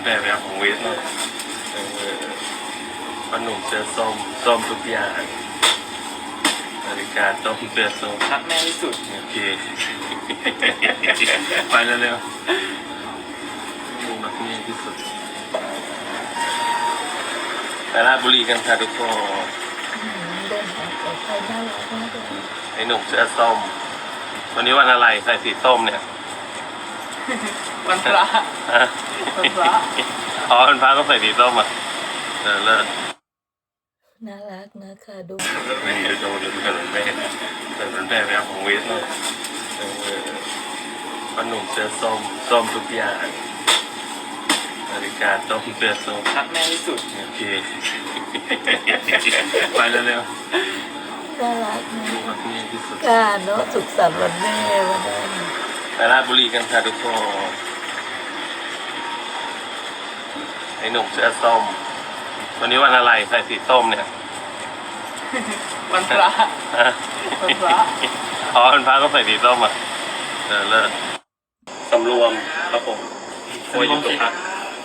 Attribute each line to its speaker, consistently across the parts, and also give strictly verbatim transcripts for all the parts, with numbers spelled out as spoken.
Speaker 1: แบบแบบของเวสเนาะเออขนมเสื้อส้มส้มทุกอย่างนาฬิกาส้มเสื้อส้ม
Speaker 2: รักแม่ที่สุด
Speaker 1: โอเค ไปเร็วๆดูมักนี่ที่สุดไปราชบุรีกันค่ะทุกคน
Speaker 3: เดินหาแต่ใครน่ารักมากเลย
Speaker 1: ไอ้หนุ่มเสื้อส้มวันนี้วันอะไรใส่สีส้มเนี่ย
Speaker 2: วันพระ
Speaker 1: ฮะ
Speaker 2: วันพระ
Speaker 1: อ๋อวันพระก็ใส่สีส้มอ่ะเออเลิศ
Speaker 3: น่ารักนะคะดู
Speaker 1: นี่ดูดูดูถนนแม่ถนนแม่แบบของเวสเนาะเออขนมเสื้อส้มส้มทุกอย่างนาฬิกาส้มเสื้อส้ม
Speaker 2: รักแม่ที่สุด
Speaker 1: โอเค ไปเร็ว
Speaker 3: น่ารักนะ
Speaker 1: ๆมักนี่ที่สุด
Speaker 3: การเนาะสุขสันต์วันแม่วันนั้น
Speaker 1: ไปราชบุรีกันค่ะทุกคนไอ้หนุ่มเสื้อส้มวันนี้วันอะไรใส่สีส้มเนี่ย
Speaker 2: วันพระ
Speaker 1: ฮะ
Speaker 2: วันพระ
Speaker 1: อ๋อวันพระก็ใส่สีส้มอ่ะเออเลิศสำรวมครับผมโอ้ยอยู่ตรงพัก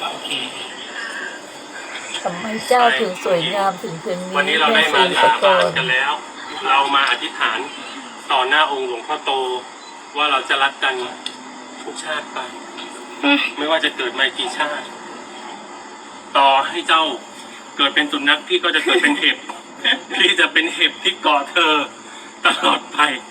Speaker 3: ทำไมเจ้าถึงสวยงามถึงเพียงนี้
Speaker 1: วันนี้เราได้
Speaker 3: แม่
Speaker 1: มา
Speaker 3: ศรี
Speaker 1: สา
Speaker 3: สก
Speaker 1: บาน
Speaker 3: ล
Speaker 1: กันแล้ว เรามาอธิษฐานต่อหน้าองค์หลวงพ่อโต ว่าเราจะรักกันทุกชาติไป ไม่ว่าจะเกิดมากี่ชาติ ต่อให้เจ้าเกิดเป็นสุนัขพี่ก็จะเกิดเป็นเห็บ พี่จะเป็นเห็บที่เกาะเธอตลอดไป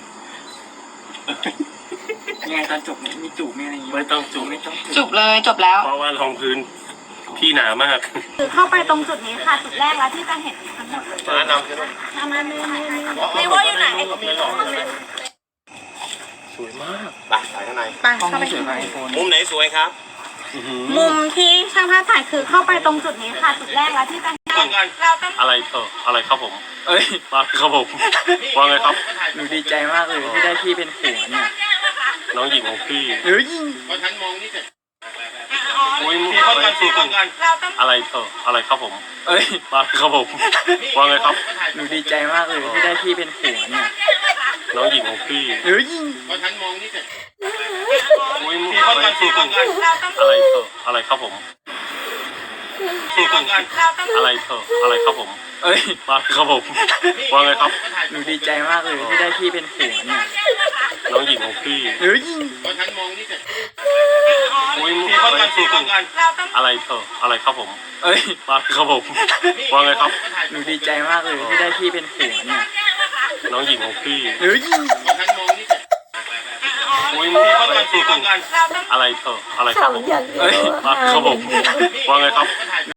Speaker 2: ยังไงตอนจบเนี่ยมีจูบมีอะไรอย่างงี้
Speaker 1: ไม่ต้องจูบ
Speaker 2: ไม่ต้องจู
Speaker 4: จุ
Speaker 2: บบ
Speaker 4: เลยจบแล้ว
Speaker 1: เพราะว่ารองพื้นพี่หนามาก
Speaker 4: คือเข้าไปตรงจุดนี้ค่ะ จุดแรกแล้วที่จะเห็นทั้งหมดเลย
Speaker 1: มานำใช่ไหม
Speaker 4: มามาเมย์เมย์เมย์ว่าอยู่ไหน
Speaker 1: สวยมาก
Speaker 5: ไปถ่ายข้างใน
Speaker 4: ไป
Speaker 2: กล้อง
Speaker 4: เข้าไป
Speaker 2: ไม่สวยกว่าไอโฟน
Speaker 5: มุมไหนสวยครับ
Speaker 4: มุมที่ช่างภาพถ่ายคือเข้าไปตรงจุดนี้ค่ะ จุดแรกแล้วที่จะเห็นเราต้อง
Speaker 1: อะไรเธออะไรครับผม
Speaker 2: เอ้ย
Speaker 1: มาครับผมว่าไงครับ
Speaker 2: หนูดีใจมากเลยที่ได้พี่เป็นผัวเนี่ย
Speaker 1: น้องหญิงของพี่
Speaker 2: เฮ้ย
Speaker 5: เพราะฉันมองนี่เสร็จ
Speaker 1: อุ้ย
Speaker 5: พี่คนกันพี่คนกัน
Speaker 4: เราต้อง
Speaker 1: อะไรเธออะไรครับผม
Speaker 2: เอ้ย
Speaker 1: มาครับผมว่าไงครับ
Speaker 2: หนูดีใจมากเลยที่ได้พี่เป็นผัวเนี่ย
Speaker 1: น้องหญิงของพี่
Speaker 2: เฮ้ย
Speaker 5: เพราะฉันมองนี่เสร็จ
Speaker 1: อุ้ย
Speaker 5: พี่คนกันพี่คนกัน
Speaker 4: เราต้อง
Speaker 1: อะไรเธออะไรครับผม
Speaker 5: พี่คนกัน
Speaker 4: เราต้อง
Speaker 1: อะไรเธออะไรครับผม
Speaker 2: เอ้ย
Speaker 1: มาครับผมว่าไงครับ
Speaker 2: หนูดีใจมากเลยที่ได้พี่เป็นผัวเนี่ย
Speaker 1: น้องหญิงของพี่
Speaker 2: เฮ้ย
Speaker 5: เพราะฉันมองนี่เสร็จ
Speaker 1: อุ้ย
Speaker 5: พี่คนกันพี่คนกัน
Speaker 4: เราต้อง
Speaker 1: อะไรเธออะไรครับผม
Speaker 2: เอ้ย
Speaker 1: มาครับผมว่าไงครับ
Speaker 2: หนูดีใจมากเลยที่ได้พี่เป็นผัวเนี่ย
Speaker 1: น้องหญิงของพี่
Speaker 2: เฮ้ย
Speaker 5: เพราะฉันมองนี่เสร็จ
Speaker 1: อุ้ย
Speaker 5: พี่คนกันพี่คนกัน
Speaker 4: เราต้อง
Speaker 1: อะไรเธออะไรครับผม
Speaker 3: ทำอย่างเดียว
Speaker 1: มาครับผมว่าไงครับ